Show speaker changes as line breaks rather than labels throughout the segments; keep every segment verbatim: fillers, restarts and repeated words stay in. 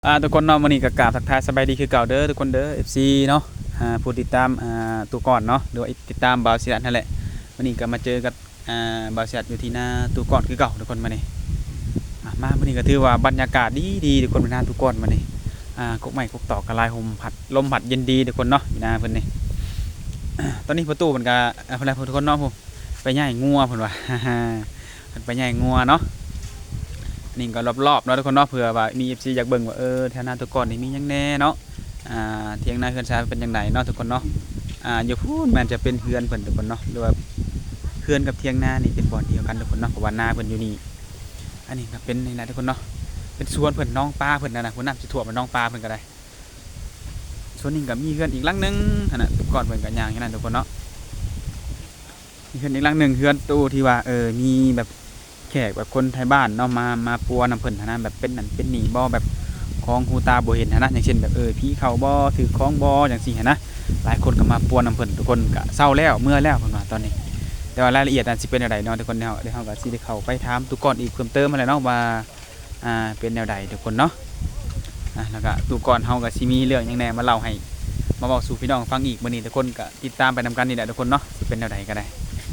อ่าทุกคนเนาะมื้อนี้ก็กราบทักทายสบายดีคือเก่าเด้อทุกคนเด้อ เอฟ ซี เนาะอ่าผู้ติดตามอ่าตัวก่อนเนาะหรือว่าติดตามบ่าวศิรัตนั่นแหละมื้อนี้ก็มาเจอกับอ่าบ่าวศิรัตอยู่ที่หน้าตัวก่อนคือเก่าทุกคนมื้อนี้อ่ามามื้อนี้ก็ถือว่าบรรยากาศดีดีทุกคนอยู่หน้าตัวก่อนมื้อนี้อ่ากกไม้กกตอกกระลายลมพัดลมพัดเย็นดีทุกคนเนาะอยู่หน้าเพิ่นนี่ตอนนี้ประตูเพิ่นก็อ่าเพิ่นทุกคนเนาะผมไปย่ายงัวเพิ่นว่า เพิ่นไปย่ายงัวเนาะนี่ก็รอบๆเนาะทุกคนเนาะเผื่อว่ามี เอฟ ซี อยากเบิ่งว่าเออแถวหน้าตัวก่อนนี่มีหยังแน่เนาะอ่าเถียงนาเฮือนชายเป็นจังไดเนาะทุกคนเนาะอ่าอยู่พูนมันจะเป็นเฮือนเพิ่นทุกคนเนาะหรือว่าเฮือนกับเถียงนานี่เป็นบ่อนเดียวกันทุกคนเนาะเพราะว่านาเพิ่นอยู่นี่อันนี้ก็เป็นนี่แหละทุกคนเนาะเป็นสวนเพิ่นน้องปลาเพิ่นนั่นน่ะพุ่นน้ำสิท่วมมันน้องปลาเพิ่นก็ได้ส่วนนี้ก็มีเฮือนอีกหลังนึงนั่นน่ะตัวก่อนเพิ่นก็ย่างอย่างนั้นทุกคนเนาะมีเฮือนอีกหลังนึงเฮือนตู้ที่ว่าเออมีแบบแขกแบบคนไทยบ้านเนาะมามาปัวนำเพิ่นหั้นนะแบบเป็นนั่นเป็นนี่บ่แบบของหูตาบ่เห็นหั้นนะอย่างเช่นแบบเออผีเข้าบ่ถือของบ่จังซี่หั้นนะหลายคนก็มาปัวนำเพิ่นทุกคนก็เศร้าแล้วเมื่อแล้วเพิ่นว่าตอนนี้แต่ว่ารายละเอียดอันสิเป็นจังไดเนาะทุกคนเฮาเดี๋ยวเฮาก็สิได้เข้าไปถามทุกก่อนอีกเพิ่มเติมอะไรเนาะว่าอ่าเป็นแนวใดทุกคนเนาะอ่ะแล้วก็ทุกก่อนเฮาก็สิมีเรื่องหยังแหน่มาเล่าให้มาเว้าสู่พี่น้องฟังอีกมื้อนี้ทุกคนก็ติดตามไปนำกันนี่แหละทุกคนเนาะสิเป็นแนวใดก็ได้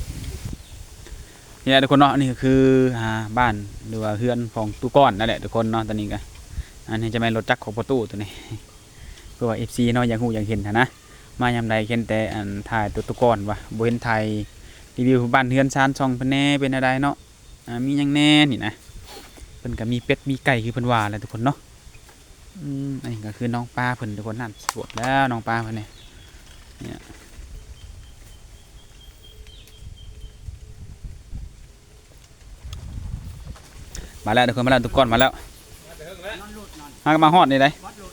นี่แหละทุกคนเนาะนี่ก็คืออ่าบ้านหรือว่าเฮือนของตู้ก้อนนั่นแหละทุกคนเนาะตอนนี้ก็อันนี้จะเป็นรถจักรของประตูตัวนี้เพื่อว่า เอฟ ซี เนาะอยากฮู้อยากเห็นหั้นนะมายามใดเห็นแต่อันถ่ายตัวตู้ก้อนว่าบ่เห็นถ่ายรีวิวบ้านเฮือนชานช่องเพิ่นแน่เป็นอะไรเนาะอ่ามีหยังแน่นี่นะเพิ่นก็มีเป็ดมีไก่คือเพิ่นว่าแหละทุกคนเนาะอืมอันนี้ก็คือน้องปลาเพิ่นทุกคนนั่นสวดแล้วน้องปลาเพิ่นเนี่ยเนี่ยมาแล้วทุกคนมาแล้วตู้ก้อนมาแล้วมาก็มาฮอดนี่ได้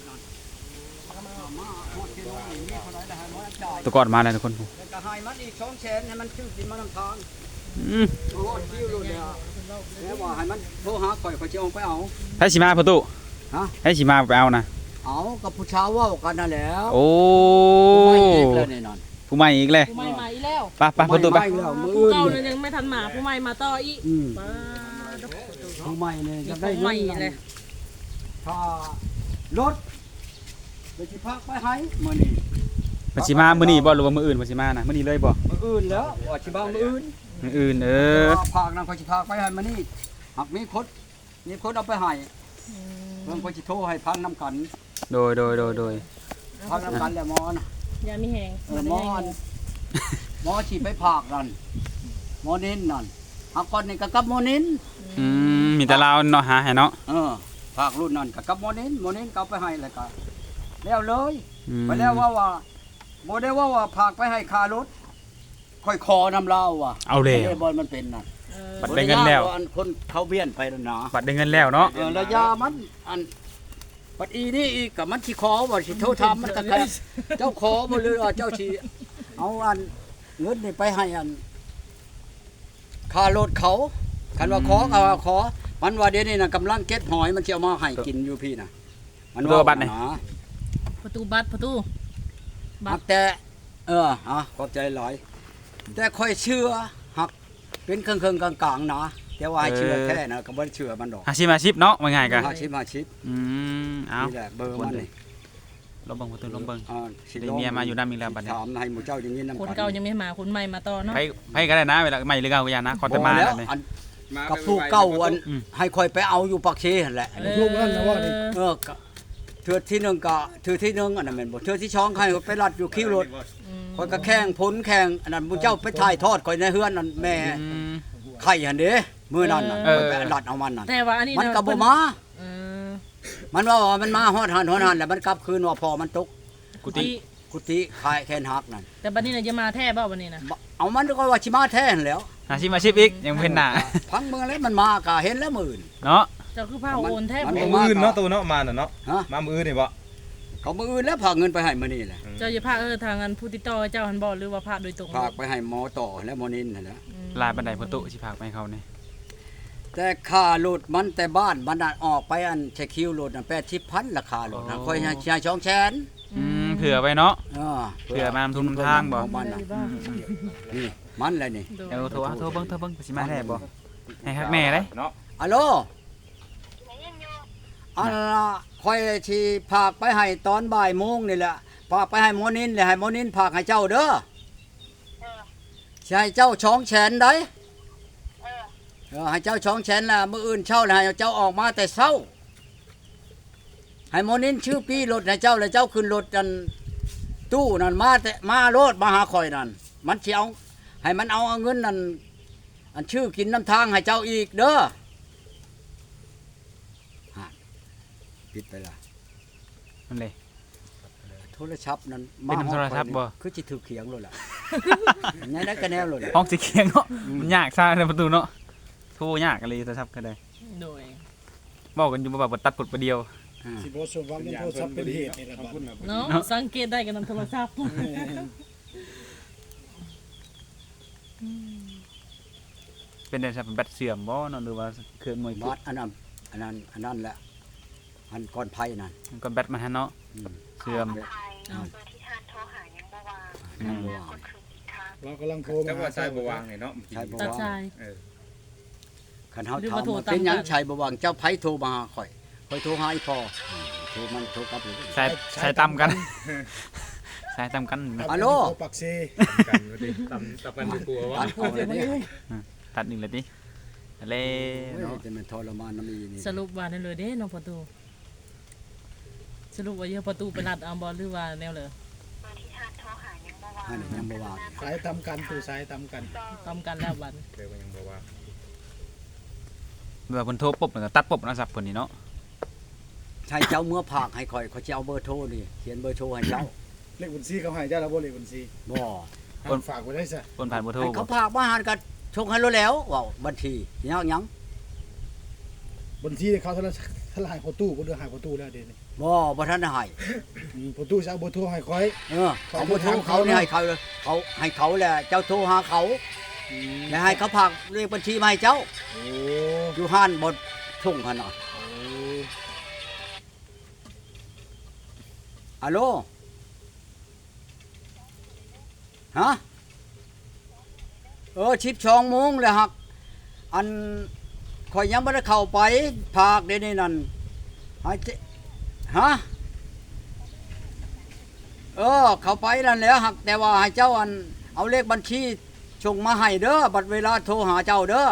ตู้ก้อนมาแล้วทุกคน
ก็ให้มันอีกสองแสนให้มันชื่อกินมันน้ำทาง
อืม
โอ้โหคิวเลยเนี่ยแล้วว่าให้มันโทรหาข่อยข่อยจะเอาไปเอา
ให้สิมาประตู
ฮะ
ให้สิมาไปเอานะ
เอากับผู้ชาวว่ากันนั่นแหล้ว
โอ้
ไม่เอกเลยแน่นอน
ผู้ใหม่อีกเลย
ผู้ใหม่มาอีกแล้ว
ไปไปประตูไป
ไม่แล้วมือ
ผู้
อื่น
เก่า
เนี่
เนี่ย ยยังไม่ทันมาผู้ใหม่มาต่ออีก
อืม
มา
ผู้ใหม่เนี่ยจะได้
ผู้ใหม่
เงิน
เลย
ถ้ารถไปที่พักไปให้มื้อนี้
มันสิมามื้อนี้บ่หรือว่ามื้ออื่นมันสิมานะมื้อนี้เลยบ่
มื้ออื่นแล้วว่าสิบ้ามื้ออื่น
มื้ออื่นเออ
ภาคนั้นข่อยสิพาไปให้มื้อนี้หากมีคนมีคนเอาไปให้เพิ่นข่อยสิโทรให้พังน้ำกัน
โดยโดยโดยโดย
พังน้ำกันแล้วหมอน่ะ
อย่ามีแหง
เออหมออันหมอฉีดไปผากนั่นหมอนินนั่นหากก่อนนี่ก็กับหมอนิน
อืมมีแต่เราเนาะหาให้เนาะ
เออผากรุ่นนั่นก็กับหมอนินหมอนินก็เอาไปให้เลยก็แล้วเลย
อืม
ไปแล้วว่าว่าบ่ได้ว่าว่าผากไปให้ค่ารถค่อยคอนำเล่าว่ะ
เอาแล้ว
ไอ้บอลมันเป็นนั่น
เออ
บัดได้เงินแล้ว
บ่ได้ยากาอันคนเขาเบี้ยนไปแล้วนะ
บัดได้เงินแล้วเนาะ
เออระยามันอันบัดอีนี่อีกกับมันสิขอว่าสิโทรทำมันก็แค่เจ้าขอบ่เลยว่าเจ้าสิเอาอันเงินนี่ไปให้อันค่ารถเขาคันว่าขอก็ว่าขอมันว่าเดี๋ยวนี้น่ะกำลังเก็บหอยมันสิเอามาให้กินอยู่พี่น่ะมันว่าบัดนี่
ประตูบัตรประตูบั
หั
ต
ก
ร
แต่เออฮะขอบใจหลายแต่ค่อยเชื่อหักเป็นเครื่องๆกลางๆนะแต่ว่าให้เชื่อแท้นะก็บ่เชื่อมันดอก
อาชีพอาชีพเนาะว่าง่ายก็
อาชีพอาชีพ
อืมเอา
นี่แหละเบอร์มันนี่
ลองเบิ่งประตูลองเบิ่ง
อ่าสิ
ได้เมียมาอยู่นำอีกแล้วบัดนี้
ถามให้หมู่เจ้าอย่างนี้นำ
คนเก่ายังไม่มาคนใหม่มาต่อเนาะ
ไปไปก็ได้นะเวลาใหม่หรือเก่าก็อย่านะขอแต่มา
แล้ว
นั่นเลย
อันกับผู้เก่าอันให้คอยไปเอาอยู่ปากเชหั่นแหละ
ลูกนั่นนะว่า
เออก็เทือที่หนึ่งก็เทือที่หนึ่งอันนั้นแม่นบ่เทือที่สองให้ไปรัดอยู่คิวรถคอยก็แข่งพ้นแข่งอันนั้นหมู่เจ้าไปถ่ายทอดคอยในเฮือนนั่นแม่
อืม
ไข่หั่นเด้มื้อนั้นน่ะ
เออ
ไปรัดเอามันนั่น
แต่ว่าอันนี้
มันก็บ่มา
เออ
มันว่าว่ามันมาฮอดหันฮอดหันแล้วมันกลับคืนว่าพอมันตก
กุฏิ
กุฏิขายแคนหักนั่น
แต่บัดนี้น่ะจะมาแท้บ่บัดนี้น่ะ
บ่เอามันก็ว่าสิมาแท้นั่นแหล้ว
อาชีพอาชีพอีกยังบ่เห็นหน้า
พังเมืองแล้วมันมาก็เห็นแล้วมื้ออื่น
เนาะ
เจ้าคือผ้าโอนแท้
มัน
บ่
บ่
มืออื่นเนาะตัวเนาะมาน่ะเนาะ
ฮะ
มามืออื่นนี่บ่
เขามื้ออื่นแล้วพาเงินไปให้มื้อนี้แหละ
เจ้าจะพาเออทางอันผู้ติดต่อเจ้าหันบ่หรือว่าพาโดยตรง
ฝากไปให้หมอต่อและหมอนินนั่นแหละ
อืม
ลายบันไดประตูสิพากไปให้เขานี่
แต่ค่ารถมันแต่บ้านมันน่ะออกไปอันเช็คคิวรถน่ะแปดสิบพันราคารถนะค่อยให้ชายช่องแสน
อืมเผื่อไว้เนาะ
เออ
เผื่อมาทุนทางบ่
ของมันน่ะ
บ้า
นี่มันแหละนี่
โดย
เดี๋ยวโทรโทรเบิ่งโทรเบิ่งสิมาแท้บ่ให้ฮักแม่เลย
เนาะ
ฮัลโหลอันละค่อยสิพากไปให้ตอนบ่ายโมงนี่แหละพากไปให้หมอนินเลยให้หมอนินพากให้เจ้าเด้อ
เออ
สิให้เจ้าช้องแขนได้
เออ
เออให้เจ้าช้องแขนล่ะมื้ออื่นเช้าแล้วให้เจ้าออกมาแต่เช้าให้หมอนินชื่อปี้รถให้เจ้าแล้วเจ้าขึ้นรถกันตู้นั่นมาแต่มาโลดมาหาข่อยนั่นมันสิเอาให้มันเอาเอาเงินนั่นอันชื่อกินน้ำทางให้เจ้าอีกเด้อฮะปิดไปละ
นั่นเลย
โทรศัพท์นั้น
เป็นน้ำโทรศัพท์บ่
คือจิถือเขียงเลยล่ะ ไงนั้นก็แนวเลยล่ะ
ห้องสีเขียงเนาะมันยากซ่าในประตูเนาะโทรยากอะไรโทรศัพท์ก็ได้
โดย
บอกกันอยู่ว่าแบบตัดปลดประเดียว
อ่า
สิบ่สมหวังในโทรศัพท์เป็นเหตุนี่แหละบัด
เนาะสังเกตได้กันนำโทรศัพท์
เป็นได้ครับแบตเสื่อมบ่เนาะหรือว่าเครื่องมวย
บาดอันนั้นอันนั้นอันนั้นแหละอันก้อนไผ่นั่น
มันก็แบตมันฮะเนาะ
อืม
เสื่อม
ขออภัยเบอร์ที่ท่านโทรหายังบ่วาง
อืม
บ่ว่าง
กดคืนอีกครั้ง
เรากำลังโทร
แต่
มา
ว่าใช้บ่วางนี่เนาะ
ใช่บ่
ตัด
ว่าง
สาย
เออ
คันเฮา
หรือ
ถาม
ว่าโทร
ว่า
ตาม
เป็นหยัง
กัน
ชัยบ่ว่างเจ้าไผโทรมาหาข่อยข่อยโทรหาอีพ่ออืมโทรมันโทรกลับเลย
ใช้ใช้ตำกัน ใช้ตำกัน
ฮัลโหล
โทรปักเซ
กันว่าดิตำตำกันกลัวว่า
ตัดเอาเลยเนี่ย
ตัดหนึ่งเลยดิอะไร
โอ้ย
เนาะ
จะมันทรมานน้ำอีนี่
สรุปว่านั่นเลยเด้น้องประตู สรุปว่าเยอะประตูไปรัดเอาบ่หรือว่าแนวเลย
เบอร์ที่ท่านโทรหายังบ่วาง
อันนี้ยังบ่ว่าง
สายทำกันตู่สายทำกัน
ตามกันแล้วบัด
เดี๋ยวมันยังบ่วาง
เมื่อเพิ่นโทรปุ๊บมันก็ตัดปุ๊บเนาะสับเพิ่นนี่เนาะ
ใช่เจ้าเมื่อผากให้ข่อยข่อยจะเอาเบอร์โทรนี่เขียนเบอร์โทรให้เจ้า
เลขบัญชีเขาให้เจ้าแล้วบ่เลขบัญชี
บ่
ให้ฝากไว้ได้ซะ
เพิ่นผ่านบ่โทร
ให้
บ่
เขาผากมาหารกันชงให้รู้แล้วว้าวบัญชียังยัง
บัญชีเขาเท่าไหร่เท่าไหร่ให้พอตู้บ่เดือหายพอตู้แล้วเดี๋ยวนี้
บ่บ่ทันได้ให้
อืมพอตู้จะเอาเบอร์โทรให้ค่อย
เออเอาเบอร์โทรเขานี่ให้เขาเขาให้เขาแหละเจ้าโทรหาเขาแล้วให้เขาผากเลขบัญชีมาให้เจ้า
โอ้
อยู่ห้านบ่ชงหั่นน่ะ
โอ้
ฮัลโหลฮะเออชิบชองโมงแล้วฮักอันข่อยยังบ่ได้เข้าไปผากเดี๋ยวนี้นั่นให้เจฮะเออเข้าไปนั่นแหล้วหักแต่ว่าให้เจ้าอันเอาเลขบัญชีส่งมาให้เด้อบัดเวลาโทรหาเจ้าเด้อ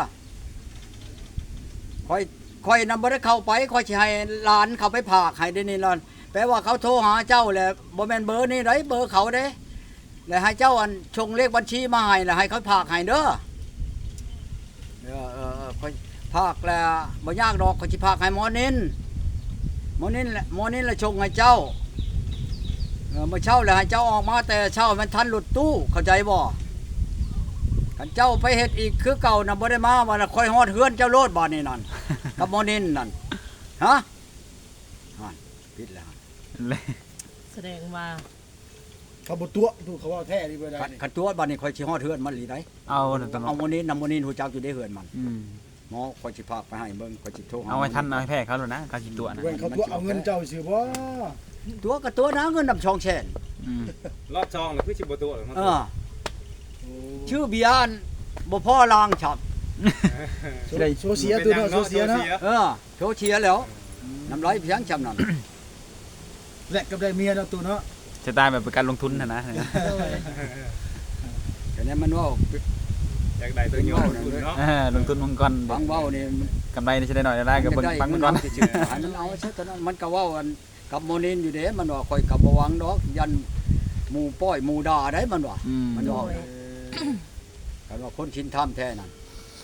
ข่อยข่อยนำบ่ได้เข้าไปข่อยสิให้หลานเข้าไปผากให้เดี๋ยวนี้ล่ะแปลว่าเขาโทรหาเจ้าแหละบ่แม่นเบอร์นี่ไดเบอร์เขาเด้แล้วให้เจ้าอันส่งเลขบัญชีมาให้แล้วให้เขาผากให้เด้อเออเออเออข่อยผากแล้วบ่ยากดอกข่อยสิผากให้หมอนินหมอนินแหละหมอนินละส่งให้เจ้าเออเมื่อเช้าแล้วให้เจ้าออกมาแต่เช้ามันทันหลุดตู้เข้าใจบ่คันเจ้าไปเฮ็ดอีกคือเก่าน่ะบ่ได้มาว่าน่ะค่อยฮอดเฮือนเจ้าโลดบ่นี่นั่น กับหมอนินนั่นฮะนั่นปิดแล้ว
เลย
แสดงว่า
เขาบ่ตัวตู้เขาว่าแท้นี่บ่ได้
คัน
นี่
คันตัวบัดนี้ค่อยสิฮอดเฮือนมันหลีได้
เอาตลอ
เอา
ด
หมอนินนำหมอนินฮู้จักอยู่ได้เฮือนมัน
อืม
หมอค่อยสิพาไปให้เบิ่งค่อยสิโทรหา
เอาไว้ทันเอาให้แพ้เขาแล้วนะเขาสิตัวนะ
เว้นเขาตัวเอาเงินเจ้าสิบ่
ตัวก็ตัวนะเงินนำช่องแชน
อืม
รอบช่องแล้วคือสิบ่ตัวหรอกมัน
เออ
โอ้
ชื่อเบียร์บ่พอลางฉับ
โซเสียตัวเนาะโซเสียเนาะ
เออโชว์เชียร์แล้วน้ำร้อยเพียงจำนั่น
แลกกับได้เมียเนาะตัวเนาะ
จะตายแบบเป็นการลงทุนนะนะ
โดย
แต่นี้มันว่า
อยากได้ตัวโยนทุนเนาะ
เออลงทุนมังกร
ฟังเว้านี่
กำไรนี่จะได้หน่อยได้ก็เบิ่งฟัง
มั
มัน
น
ก่อน
เอาซื่อๆให้มันเอาซะตอนนั้นมันก็เว้ากันกับโมนินอยู่เด้มันว่าค่อยกับบ่หวังดอกยันหมู่ป้อยหมู่ด่าได้มันว่า
อืม
มันว่ากันว่าคนชินทำแท้นั่น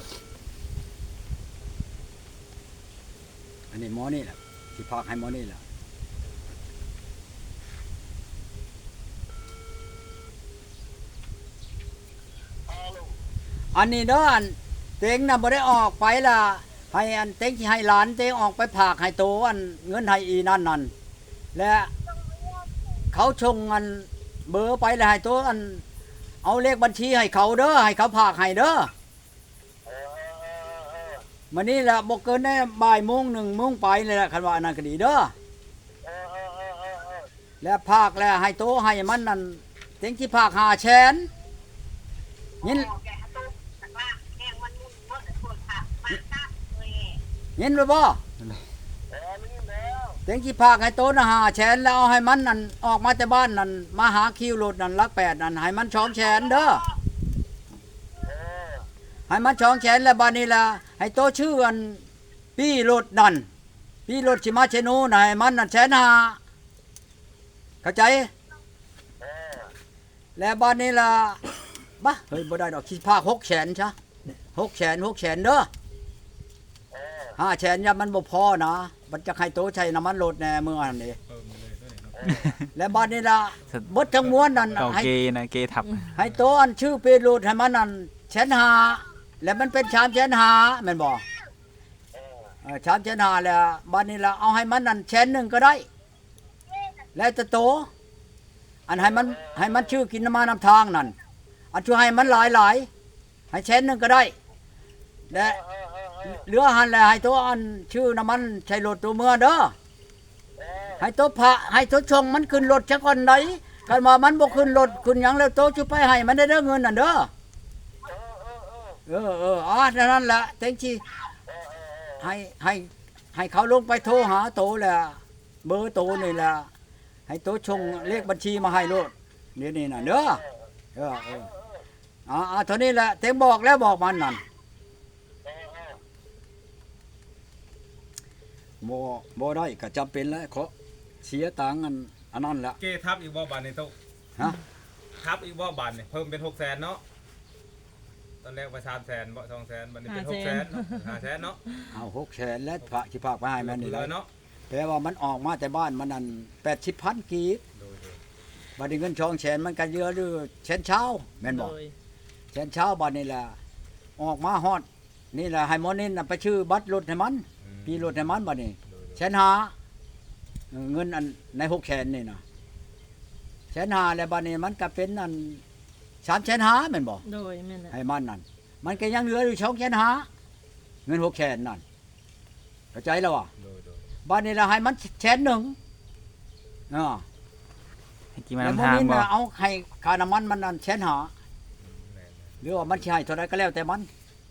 อันนี้หมอนี่แหละสิพากให้หมอนี่แหละอันนี้เด้ออันเต็งน่ะบ่ได้ออกไปล่ะให้อันเต็งสิให้หลานเต็งออกไปผากให้โตอันเงินให้อีนั่นนั่นและเขาชงอันเบอร์ไปแล้วให้โตอันเอาเลขบัญชีให้เขาเด้อให้เขาผากให้เด้อมื้อนี้ล่ะบ่เกินได้บ่ายโมงหนึ่งโมงไปเลยล่ะคันว่าอันนั้นก็ดีเด้อและผากแล้วให้โตให้มันนั่นเต็งสิผากห้าแสนยิน
แกะตู้แต่ว่าแกงมันมุ่งเมื่อคนค่ะมาตาเลย
ยินไว้บ่
เออนี่แล้ว
ต็งสิพากให้โตนะหาแสนแล้วเอาให้มันนั่นออกมาแต่บ้านนั่นมาหาคิวรถนั่นลักแปดนั่นให้มันสองแสนเด้อให้มันสองแสนแล้วบัดนี้ล่ะให้โตชื่ออันพี่รถนั่นพี่รถสิมาเชนูน่ะให้มันนั่นแสนห้าเข้าใจแล้วบัดนี้ล่ะบ่เฮ้ยบ่ได้ดอกสิพากหกแสนซะหกแสนหกแสนเด้อห้าแสนยามันบ่พอนะมันจะให้โตใช้น้ำมันรถแน่มื้อนั้นนี่
เออมาเลยด้วยเนาะ
และบัดนี้ล่ะเบิดทั้งมวลนั่น
เก่า
ให้
เกนะเกทับ
ให้โตอันชื่อเป็นรูดให้มันนั่นแสนห้าแล้วมันเป็นสามแสนห้าแม่นบ่เออสามแสนห้าแล้วบัดนี้ล่ะเอาให้มันนั่นแสนหนึ่งก็ได้ แล้วจะโต อันให้มันให้มันชื่อกินน้ำมันน้ำทางนั่นอันช่วยให้มันหลายๆให้แสนหนึ่งก็ได้และเหลือหันแล้วให้โตอันชื่อน้ำมันใช้รถตัวเมื่อเด้อให้โตพระให้โตชงมันขึ้นรถซะก่อนไหนกันว่ามันบ่ขึ้นรถขึ้นหยังแล้วโตสิไปให้มันได้เด้อเงินนั่นเด้อเออเอออ๋อนั่นแหละเต็งสิให้ให้ให้เขาลงไปโทรหาโตแหละเบอร์โตนี่แหละให้โตชงเลขบัญชีมาให้โลดนี่นี่น่ะเด้อเออเอออ๋อเท่านี้แหละเต็งบอกแล้วบอกมันนั่นบ่บ่ได้ก็จำเป็นแล้วขอเสียตังค์อันอันนั้นละ
เกทับอีกบ่บานนี่โต
ฮะ
ทับอีกบ่บานนี่เพิ่มเป็นหกแสนเนาะตอนแรกไปสามแสนบ่สองแสนบัดนี้เป็นหกแสนเนาะห้าแสนเนาะ
เอาหกแสนแล้วพระสิพากไปให้มันนี่
เล
แหละ
ยเนาะ
แปลว่ามันออกมาแต่บ้านมันนั่นแปดสิบพันกีบ
โดย
บัดนี้เงินช่องแสนมันก็เยอะหรือแสนเช้าแม่น
โด
บ่
ย
แสนเช้าบัดนี้แหละออกมาฮอดนี่แหละให้หมอนี่น่ะไปชื่อบัตรรถให้มัน
ๆอืม
พี่รถให้มันบัดนี้
โดย
แสนห้าเออเงินอันในหกแสนนี่น่ะแสนห้าแล้วบัดนี้มันก็เป็นอันสามแสนห้าแม่นบ่
โดยแม่นแหละ
ให้มันนั่นมันก็ยังเหลืออยู่สองแสนห้าเงินหกแสนนั่นเข้าใจแล้วว่ะ
โดยโดย
บ้านนี้เราให้มันแสนหนึ่งอ่า
ให้กี่มา
แล้ว
นำ
มื้อ
ทาง
นี้
บ่
น่ะเอาให้ค่าน้ำมันมันนั่นแสนหา
แม่น
หรือว่ามันสิให้เท่าไรก็แล้วแต่มัน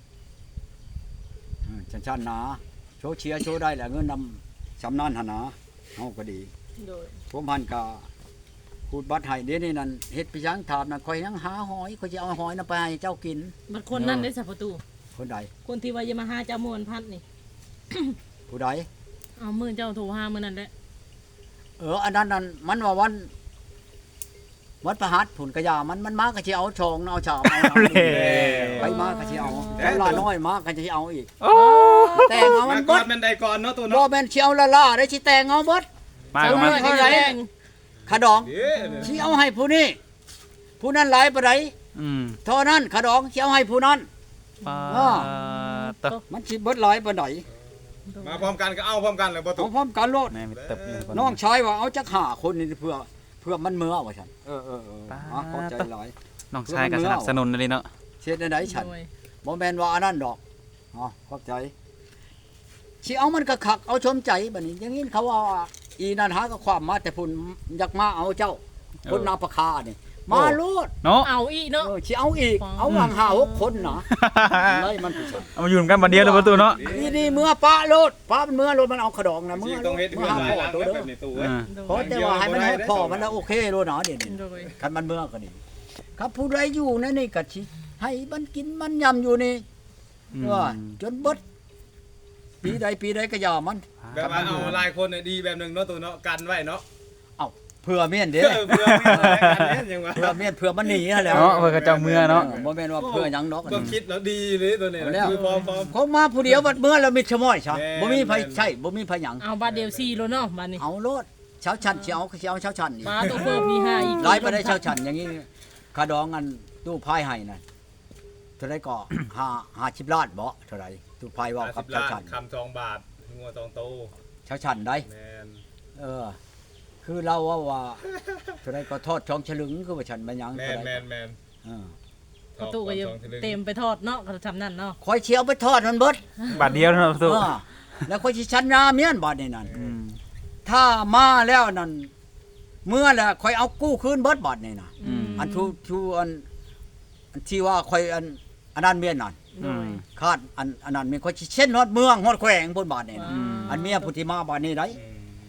อืมชันๆหนาโชว์เชียร์โชว์ได้แหละเงินนำสำนานหนนาเฮาก็ดี
โดย
ผมพันก็พูดบัตรให้เดี๋ยวนี้นั่นเฮ็ดไปจังถามนั่นข่อยยังหาหอยข่อยสิเอาหอยน่ะไปให้เจ้ากิน
บัดคนนั้นได้สัประตู
คนใด
คนที่ว่าจะมาหาเจ้ามวนพัดนี่
ผู้ใด
เอามือเจ้าโทรหามื้อนั้นแหละ
เอออันนั้นนั่นมันว่าวันวัดประหัตผุนกระยามันมันมาก็สิเอาชองเอาชามเอาเอา
เล่
ไปมาก็สิเอาแล้วลาน้อยมาก็สิเอาอีก
โอ้
แต่งเอามั
มาน ก่
เบิ
อน
ด
แม่นใดก่อนเนาะตัว
บ่
เนาะ
แม่นสิเอาละล่าได้สิแต่งเอาเบิด
มาก็มา
เท่าไหร่ ขะดอง
เด้อ
สิเอาให้ผู้นี้ผู้นั้นหลายปานใด
อืม
เท่านั้นขะดองสิเอาให้ผู้นั้น
ปา
อ้อ
ตะ
มันสิเบิดหลายปานใด
มาพร้อมกันก็เอาพร้อมกันเลยบ่ตุ
เอาพร้อมกันโลด
แม่มีตึบอยู่
น้องชายว่าเอาจักห้าคนนี่เพื่อเพื่อมันเมื่อว่าซั่นเออๆๆอ๋อเข้าใจหลาย
น้องชายก็สนับสนุนเลยเนาะ
เฮ็ดได้ฉัน
โดย
บ่แม่นว่าอันนั้นดอกอ๋อเข้าใจสิเอามันก็คักเอาชมใจบัดนี้อย่างนี้เขาว่าอีนั่นหาก็ความมาแต่พุ่นอยากมาเอาเจ้าคนนาประคานี่มาโลด
เนาะ
เอาอีกเนาะ
เออสิเอาอีก เอาวางห้าหกคนนะไล่มันผู้ชาย
เอามาอยู่กันบัดเดียวเลยประตูเนาะ
นี่นี่เมื่อป้าโลดป้ามันเมื่อโลดมันเอาขะดองนะเมื่
สิ
อ
ต้องเฮ็ด
เมื่
เพื่
อ
อ
หา
หลาย
พ่อ
หลัง
ตัว
แบ
เด้อบ
นี้ตู้เว้ย
อ่า
โด
เพราะ
ย
แต่ว่าให้มันให้พ่อมันแล้วโอเคโลดหนาเด่น
โดย
คันมันเมื่อก็ดีครับผู้ใดอยู่ในนี่ก็สิให้มันกินมันยำอยู่นี่
อืม
ว่าจนเบิดปีใดปีใดก็อย่ามัน
แบบว่าเอาหลายคนน่ะดีแบบหนึงเนาะตัวเนาะกันไว้เนาะ
เผื่อเมียนเด้
เออเพื่อไม่เอาอะไรกันเนี่ยยังว่า
เผื่อเมียนเผื่อมันหนีนั่นแหล้ว
เนาะเพิ่นก็เจ้าเมื่อเนาะ
บ่แม่นว่าเผื่อหยังดอก
ก็คิดแล้วดีเลยตัวนี้
เอาแล้ว
คือพร้อมพร้อม
เขามาผู้เดียวบัดเมื่อแล้วมีชะม้อยซะ
แม่น
บ่มีไผ
แม่น
ใช่บ่มีไผหยัง
เอาบัดเดียวสี่โลเนาะบัดนี้
เอาโลดเช้าชันสิเอาก็สิเอาเช้าชันนี่
ปลาตัวเพิ่มมีห้าอีก
หลายไปได้เช้าชันอย่างนี้ค่าดองอันตู้พายให้นั่นเท่าไรก็ ห้าห้าสิบล้านบ่เท่าไรตู้พายเว่ากับ
50
เช้า
ล้าน
ชัน
คำสองบาทงัวสองโต
เช้าชันได้
แมน
เออ คือเราว่าว่าเท่าไรก็ทอดช่องฉลึงคือว่าฉันมันหยัง
แม
เท่าน ไร
แมนแมน
เออ
ประตูก็ยังเต็มไปทอดเนาะก็ทำนั่นเนาะ
คอยเชียวไปทอดมันเบิด
บัดเดียวเนาะประตู
เออแล้วคอยสิชันยาเมียนบาดนี่นั่น
อืม
ถ้ามาแล้วนั่นเมื่อแหละคอยเอากู้คืนเบิดบาดนี่น่ะ
อืม
อันทูทูอันอันที่ว่าคอยอันอันนั้นเมียนนั่น
โดย
คาดอันอันนั้นมีคนสิเช่นฮอดเมืองฮอดแขวงพุ่นบาดนี่นะ
อืม
อันเมียพุทธิมาบาดนี้ได้
อืมโดยโด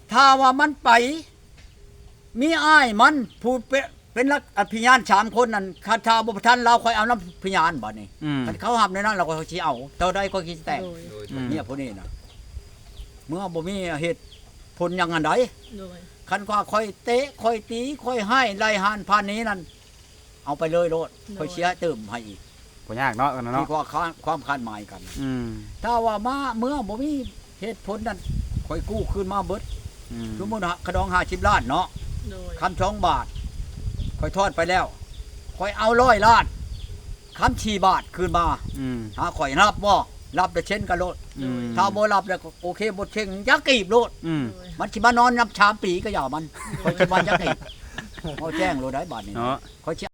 ถ้าว่ามันไป มีอ้ายมันผู้เป็นเป็นลักอภิญานสามคนนั่นคาถาบ่ทันเราค่อยเอาน้ำพญานบัดนี้
อืม
คันเขาหับในนั้นเราก็สิเอาเท่าใดก็คิดแต่ง
โดย
โดย
อืม
เนี่ยผู้นี้น่ะเมื่อบ่มีเหตุผลอย่างอันใด
โดย
คันว่าค่อยเตะค่อยตีค่อยให้ไล่หานพานนี้นั่นเอาไปเลยโลดค่อยเชียร์เติมให้อีก
บ่ยากเนาะกัน
ที่
เนาะ
ว่าค้าความคาดหมายกัน
อืม
ถ้าว่ามาเมื่อบ่มีเหตุผลนั้นค่อยกู้คืนมาเบิด
อืม
สมมุติว่าขะดองห้าสิบล้านเนาะ
โดย
คำสองบาทค่อยทอดไปแล้วค่อยเอาร้อยล้านคำสี่บาทคืนมา
อืม
หาข่อยรับบ่รับแต่เช่นกันโลด
อืม
ถ้าบ่รับแล้วก็โอเคบ่เช่งยักกีบโลด
อืม
โดย
มันสิมานอนนับชามปีก็อย่ามันค่อยสิมายักกีบเอาแจ้งโลดได้บาทนี้
เนาะ
ค่อยสิ